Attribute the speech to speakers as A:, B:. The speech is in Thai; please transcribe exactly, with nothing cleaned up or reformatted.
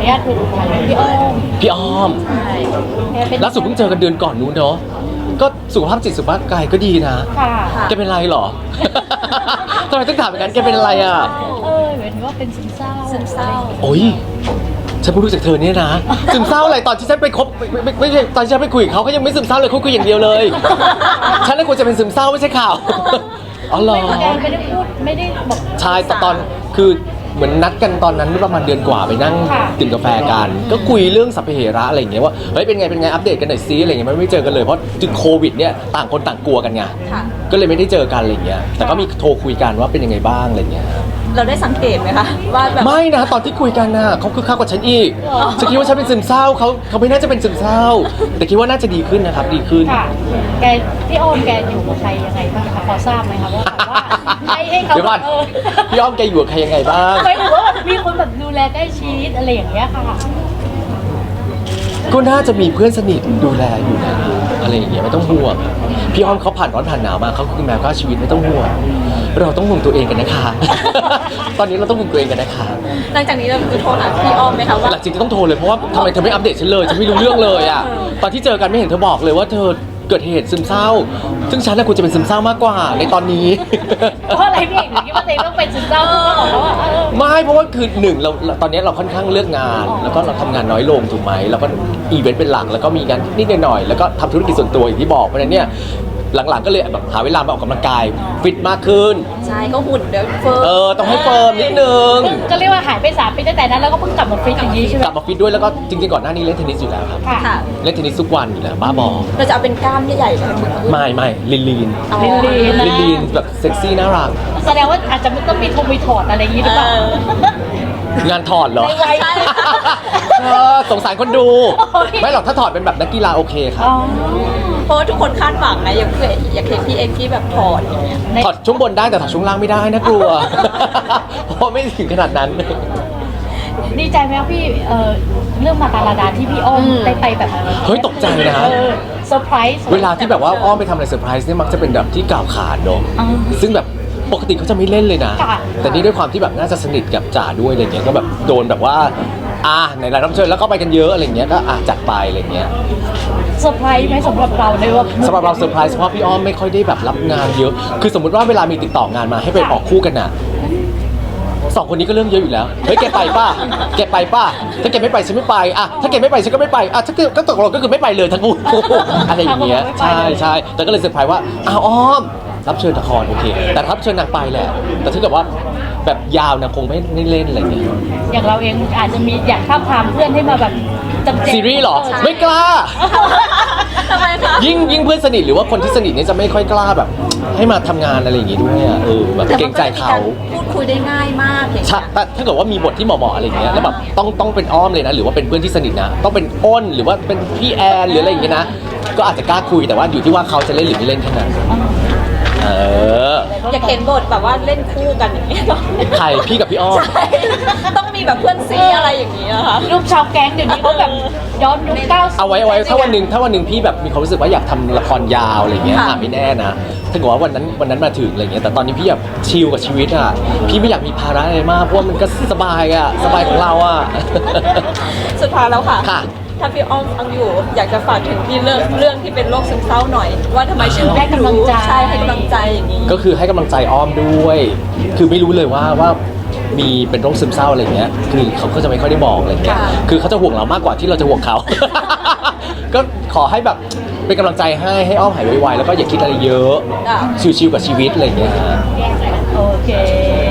A: นุญาตคุยกับใครพี่อ้อม
B: พี่อ้อมล่าสุดเพิ่งเจอกันเดือนก่อนนู้นเนาะก็สุขภาพจิตสุขภาพกายก็ดีนะแกเป็นไรหรอทำไมต้องถามอย่างนั้นแกเป็นอะไรอ่ะ
A: เออเหมือนว่าเป็นซึมเศร้าซึมเศร้า
B: โอ้ยฉันเพิ่งรู้จากเธอเนี่ยนะซึมเศร้าอะไรตอนที่ฉันไปคบไม่ไม่ใช่ตอนที่ฉันไปคุยกับเขาเขายังไม่ซึมเศร้าเลยเขาคุยอย่างเดียวเลยฉันเลยควรจะเป็นซึมเศร้าไม่ใช่ข่าวอ๋อเหรอ
A: ไม่ได้พูดไม่ได้บอก
B: ใช่แต่ตอนคือเหมือนนัดกันตอนนั้นประมาณเดือนกว่าไปนั่งดื่มกาแฟกันก็คุยเรื่องสัพเพเหระอะไรอย่างเงี้ยว่าเฮ้ยเป็นไงเป็นไงอัปเดตกันหน่อยซิอะไรเงี้ยไม่เจอกันเลยเพราะจุดโควิดเนี่ยต่างคนต่างกลัวกันไงก็เลยไม่ได้เจอกันอะไรเงี้ยแต่ก็มีโทรคุยกันว่าเป็นยังไงบ้างอะไรเงี้ย
C: เราได้สังเกตไหมคะว่าแบบ
B: ไม่นะตอนที่คุยกันน่ะเขาคือข้ากว่าฉันอีกฉันคิดว่าฉันเป็นซึมเศร้าเขาเขาไม่น่าจะเป็นซึมเศร้าแต่คิดว่าน่าจะดีขึ้นนะครับดีขึ้น
A: แกพี่อ้อมแกอยู่กับใครยังไงบ้างคะพอทราบไหมคะว่าให้ให้เขา
B: เดี๋ยวก่อนพี่อ้อมแกอยู่กับใครยังไงบ้าง
A: ไม่รู้ว่ามีคนแบบดูแลใกล้ชิดอะไรอย่างเงี้ยค่ะ
B: ก็น่าจะมีเพื่อนสนิทดูแลอยู่นะอะไรอย่างเงี้ยไม่ต้องห่วงพี่อ้อมเขาผ่านร้อนผ่านหนาวมาเขาคือแมวก็ชีวิตไม่ต้องห่วงเราต้องห่วงตัวเองกันนะคะตอนนี้เราต้องห่วงตัวเองกันนะคะ
C: หลังจากนี้เราจะโทรหาพี่อ้อมไหมคะว่า
B: หลังจากนี้ต้องโทรเลยเพราะว่าทำไมเธอไม่อัปเดตฉันเลยฉันไม่รู้เรื่องเลยอ่ะตอนที่เจอกันไม่เห็นเธอบอกเลยว่าเธอเกิดเหตุซึมเศร้าซึ่งฉันน่ะควรจะเป็นซึมเศร้ามากกว่าในตอนนี้
A: เพราะอะไรพี่เอกถึงคิดว่าตัวเองต้องเป็นซึมเศร้าเพราะว่า
B: ไม่เพราะว่าคือหนึ่งเราตอนนี้เราค่อนข้างเลือกงานแล้วก็เราทำงานน้อยลงถูกไหมเราก็อีเวนต์เป็นหลักแล้วก็มีงานนิดหน่อยแล้วก็ทำธุรกิจส่วนตัวอย่างที่บอกเพราะฉะนั้นเนี่ยหลังๆก็เลยแบบหาเวลามาออกกำลังกายฟิตมากขึ้น
C: ใช่ก็หุ่นเดี๋ยวเฟิร์ม
B: เออต้องให้เฟิร์มนิดนึง
A: ก็เรียกว่าหายไปสามปีตั้งแต่นั้นแล้วก็เพิ่งกลับมาฟิตอย่างนี้ใช่ไหม
B: กลับมาฟิตด้วยแล้วก็จริงๆก่อนหน้านี้เล่นเทนนิสอยู่แล้วครับเล่นเทนนิสทุกวันอยู่แล้วบ้าบอ
C: เราจะเอาเป็นกล้ามใหญ่ๆเลย
B: ไม่ไม่ลีนลีน
A: ลีนลีน
B: ลีนลีนแบบเซ็กซี่น่ารัก
A: แสดงว่าอาจจะต้องมีทงมีถอดอะไรอย่างนี้หรือเปล่าง
B: านถอดเหรอสงสารคนดูไม่หรอกถ้าถอดเป็นแบบนักกีฬาโอเคครับ
C: เพราะทุกคนคาดหวังนะอยากเคยอยากเห็นพี่เอ็กซ์ที่แบบถอดอย่างเงี้ย
B: ถอดช่วงบนได้แต่ถอดช่วงล่างไม่ได้นะกลัวเพราะไม่ถึงขนาดนั้น
A: ดีใจไหมพี่เอ่อเรื่องมาตาลาดาที่พี่อ้อมได้ไปแบบ
B: เฮ้ยตกใจนะ
A: เซอร์ไพรส์
B: เวลาที่แบบว่าอ้อมไปทำอะไรเซอร์ไพรส์เนี่ยมักจะเป็นแบบที่กล่าวขานเนาะซึ่งแบบปกติเขาจะไม่เล่นเลยนะแต่นี่ด้วยความที่แบบน่าจะสนิทกับจ่าด้วยอะไรเงี้ยก็แบบโดนแบบว่าอ่าในรายรับเชิญแล้วก็ไปกันเยอะอะไรเงี้ยก็อ่ะจัดไปอะไรเงี้ย
A: เซอร์ไพรส์ไหมสำหรับเราในว่า
B: สำหรับเราเซอร์ไพรส์เพราะพี่อ้อมไม่ค่อยได้แบบรับงานเยอะคือสมมติว่าเวลามีติดต่องานมาให้ไปออกคู่กันน่ะสองคนนี้ก็เรื่องเยอะอยู่แล้วเฮ้ยแกไปป่ะแกไปป่ะถ้าแกไม่ไปฉันไม่ไปอ่ะถ้าแกไม่ไปฉันก็ไม่ไปอ่ะถ้าก็ตกลงก็คือไม่ไปเลยทั้งคู่อะไรอย่างเงี้ยใช่ใช่แต่ก็เลยเซอร์ไพรส์ว่าอ้าวอ้อมรับเชิญละครโอเคแต่รับเชิญนางไปแหละแต่ถ้าเกิดว่าแบบยาวนะคงไม่ไม่เล่นอะไรเงี้ย
A: อย่างเราเองอาจจะมีอยากท้าทามเพื่อนให้มาแบบ
B: จำเจซีรีส์หรอไม่กล้า
C: ทำไมคะ
B: ยิ่งยิ่งเพื่อนสนิทหรือว่าคนที่สนิทเนี่ยจะไม่ค่อยกล้าแบบให้มาทำงานอะไรอย่างงี้ด้วยอ่ะเออแบบเกรงใจเขา
C: พูดคุยได้ง่ายมากอย่างเงี้ย
B: แต่ถ้าเกิดว่ามีบทที่เหมาะๆอะไรอย่างเงี้ยแล้วแบบต้องต้องเป็นอ้อมเลยนะหรือว่าเป็นเพื่อนที่สนิทนะต้องเป็นอ้นหรือว่าเป็นพี่แอนหรืออะไรอย่างเงี้ยนะก็อาจจะกล้าคุยแต่ว่าอยู่ที่ว่าเขาจะเล่นหรือไม่เล่นแค่นั้นเออ
C: อยากเห็นบทแบบว่าเล่นคู่กันอย่างนี้
B: ใครพี่กับพี่อ้อม
C: ต้องมีแบบเพื่อนซีอะไรอย่างนี้นะคะ
A: ลูกชาวแก๊งเดี๋ยวนี้เขาแบบย้อนยุคเก้าสิบ
B: เอาไว้เอาไว้ถ้าวันหนึ่งถ้าวันหนึ่งพี่แบบมีความรู้สึกว่าอยากทำละครยาวอะไรเงี้ยอ่ะไม่แน่นะถ้าเกิดว่าวันนั้นวันนั้นมาถึงอะไรเงี้ยแต่ตอนนี้พี่แบบชิลกับชีวิตอ่ะพี่ไม่อยากมีภาระอะไรมากเพราะว่ามันก็สบายอ่ะสบายของเราอ่ะ
C: สุดท้ายแล้วค่ะถ้าพี่อ้อมฟังอยู่อยากจะฝากถึงพี่เรื่องเรื่องที่เป็นโรคซึมเศร้าหน่อยว่าทำไมถึง
A: ให้กำลังใจ
C: ใช่ให้กำลังใจอย่างนี้
B: ก็คือให้กำลังใจอ้อมด้วยคือไม่รู้เลยว่าว่ามีเป็นโรคซึมเศร้าอะไรเงี้ยคือเขาก็จะไม่ค่อยได้บอกอะไรเงี้ยคือเขาจะห่วงเรามากกว่าที่เราจะห่วงเขาก็ขอให้แบบเป็นกำลังใจให้ให้อ้อมหายไวๆแล้วก็อย่าคิดอะไรเยอะชิวๆกับชีวิตอะไรเงี้ย
A: โอเค